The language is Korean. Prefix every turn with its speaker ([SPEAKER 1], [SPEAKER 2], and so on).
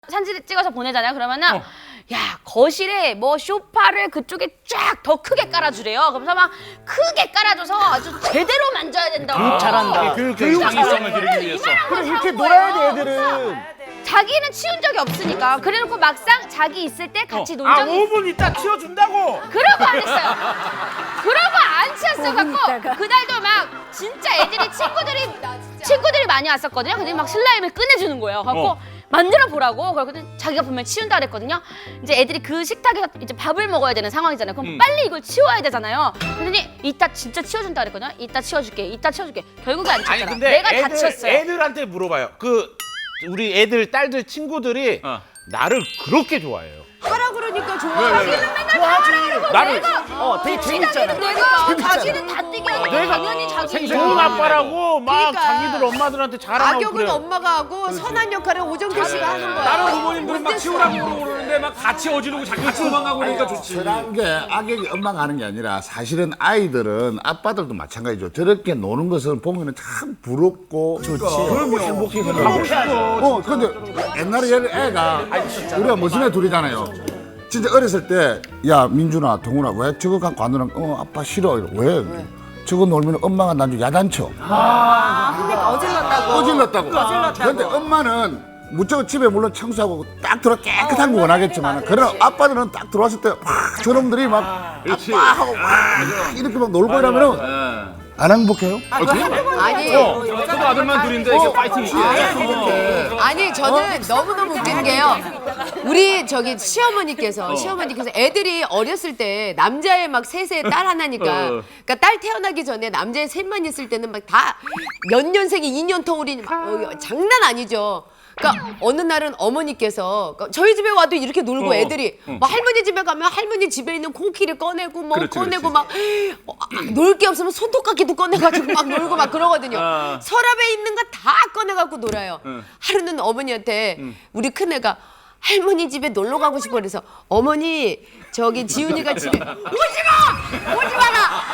[SPEAKER 1] 사진 찍어서 보내잖아요. 그러면은 야 거실에 뭐 소파를 그쪽에 쫙 더 크게 깔아주래요. 그래서 막 크게 깔아줘서 아주 제대로 만져야 된다고.
[SPEAKER 2] 잘한다.
[SPEAKER 3] 교육 장애성을 기르기 위해서.
[SPEAKER 1] 그럼
[SPEAKER 2] 이렇게 놀아야 돼, 애들은.
[SPEAKER 1] 자기는 치운 적이 없으니까. 그래놓고 막상 자기 있을 때 같이 논 적이 있어.
[SPEAKER 3] 5분 있다 치워준다고.
[SPEAKER 1] 그러고 안 했어요. 그러고 안 치웠어 갖고 그날도 막 진짜 애들이 친구들이 많이 왔었거든요. 근데 막 슬라임을 꺼내주는 거예요. 갖고 만들어 보라고. 그러거든. 자기가 보면 치운다 그랬거든요. 이제 애들이 그 식탁에서 이제 밥을 먹어야 되는 상황이잖아요. 그럼 빨리 이걸 치워야 되잖아요. 그러더니 이따 진짜 치워준다 그랬거든요. 이따 치워줄게. 결국에 안
[SPEAKER 3] 아니
[SPEAKER 1] 치웠잖아.
[SPEAKER 3] 근데
[SPEAKER 1] 내가 다 치웠어요.
[SPEAKER 3] 애들한테 물어봐요. 우리 애들 딸들 친구들이 나를 그렇게 좋아해요.
[SPEAKER 4] 하라 그러니까 좋아.
[SPEAKER 3] 나를
[SPEAKER 2] 되게 재밌잖아.
[SPEAKER 1] 내가 자기는 다 뛰게 하고 당연히 자기
[SPEAKER 3] 좋은 아빠라고 막
[SPEAKER 4] 그러니까.
[SPEAKER 3] 자기들 엄마들한테 자랑하고
[SPEAKER 4] 악역은
[SPEAKER 3] 그래요.
[SPEAKER 4] 엄마가 하고 선한 역할은 오정태 씨가 하는 거야.
[SPEAKER 5] 다른 부모님들은 막 치우라고 그러는데 막 다 치워주고 자기가 도망가고 그러니까 좋지.
[SPEAKER 6] 그런 게 악역이 엄마가 하는 게 아니라 사실은 아이들은 아빠들도 마찬가지죠. 저렇게 노는 것을 보면 참 부럽고 좋지. 그럼요. 행복히 생각하고. 근데 옛날에 애가 우리가 무슨 애 둘이잖아요. 진짜 어렸을 때 야 민준아 동훈아 왜 저거 갖고 안 놀아? 아빠 싫어. 왜? 저거 놀면 엄마가 나중에 야단쳐.
[SPEAKER 4] 그러니까 어질렀다고.
[SPEAKER 6] 그런데 엄마는 무조건 집에 물론 청소하고 딱 들어 깨끗한 거 원하겠지만 그런 아빠들은 딱 들어왔을 때 막 저놈들이 막 아빠 하고 막 이렇게 막 놀고 이러면은 안 행복해요?
[SPEAKER 4] 아니,
[SPEAKER 5] 저도 아들만 둘인데 이게 파이팅 있게.
[SPEAKER 4] 아니 저는 너무너무 웃긴 게요. 우리 저기 시어머니께서 애들이 어렸을 때 남자애 막 셋에 딸 하나니까 그러니까 딸 태어나기 전에 남자애 셋만 있을 때는 막 다 연년생이 2년 터울이니 막 장난 아니죠. 그러니까 어느 날은 어머니께서 그러니까 저희 집에 와도 이렇게 놀고 애들이 뭐 할머니 집에 가면 할머니 집에 있는 코끼리 꺼내고 뭐 꺼내고 막 놀 게 없으면 손톱깎이도 꺼내가지고 막 놀고 막 그러거든요. 서랍에 있는 거 다 꺼내갖고 놀아요. 하루는 어머니한테 우리 큰애가 할머니 집에 놀러 가고 싶어 그래서 어머니 저기 지훈이가 집에 오지 마라